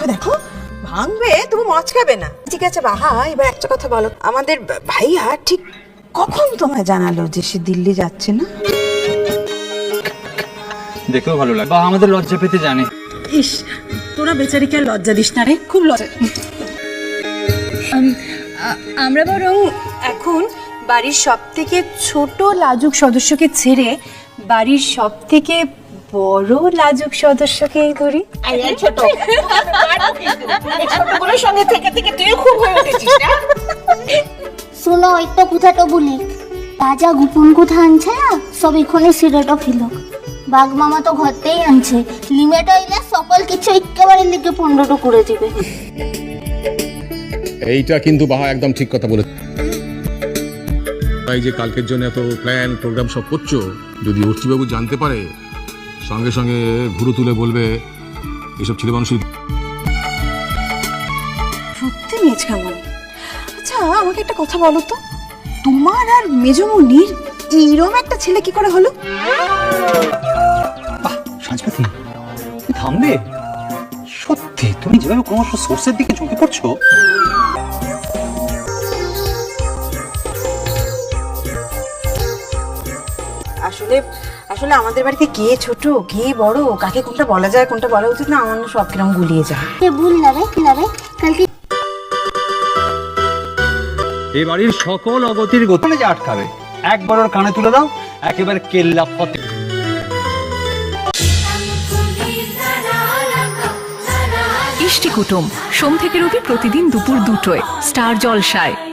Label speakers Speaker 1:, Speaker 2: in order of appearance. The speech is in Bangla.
Speaker 1: দেখো দেখো ভাঙবে, তবু মচকাবে না। ঠিক আছে বাহা, এবার একটা কথা বলো, আমাদের ভাইয়া ঠিক কখন তোমায় জানালো যে সে দিল্লি যাচ্ছে না?
Speaker 2: দেখেও ভালো লাগে, বা আমাদের লজ্জা পেতে জানে।
Speaker 3: ইস, তোরা বেচারিকে আর লজ্জা দিস না রে, খুব লজ্জা।
Speaker 4: আমরা বরং এখন বাড়ির সব থেকে ছোট লাজুক সদস্যকে ছেড়ে বাড়ির সব থেকে বড় লাজুক সদস্যকে করি।
Speaker 1: ছোট ছোটগুলোর সঙ্গে থেকে থেকে তুইও খুব হয়ে উঠেছিস না?
Speaker 5: শোনো, একটা কথাটা বলি, তাজা গোপন কথা আনছে না, সব এখানে সিরেটা ফিল। বাঘ মামা তো ঘরতেই আনছে, লিমিট হইলে সকল কিছু একেবারে লিখে 15টা করে দিবে।
Speaker 6: এইটা কিন্তু বাহা একদম ঠিক কথা বলে। তাই যে কালকের জন্য এত প্ল্যান প্রোগ্রাম সব করছো, যদি অর্চিবাবু জানতে পারে, সঙ্গে সঙ্গে ঘুরু তুলে বলবে এসব ছেলে মানুষই।
Speaker 1: সত্যি মেজ কেমন? আচ্ছা আমাকে একটা কথা বলো তো, তোমার আর মেজমুনির এইরকম একটা ছেলে কি করে হলো?
Speaker 2: বাহ সাজপাতি, তুমি থামবে? সত্যি তুমি যেভাবে ক্রমশ সোর্সের দিকে ঝুঁকে পড়ছো।
Speaker 1: আসলে আসলে আমাদের বাড়িতে কে ছোট কে বড়, কাকে কোনটা বলা যায় কোনটা বলা উচিত না, আমার না সব কিরম গুলিয়ে যায়।
Speaker 5: ভুল না রে, কালকে
Speaker 2: এই বাড়ির সকল অগতির গোপনে যে আটকাবে, একবার ওর কানে তুলে দাও, একেবারে কেল্লা ফতে।
Speaker 7: ইষ্টি কুটুম সোম থেকে রবি প্রতিদিন দুপুর 2টায় স্টার জলসায়।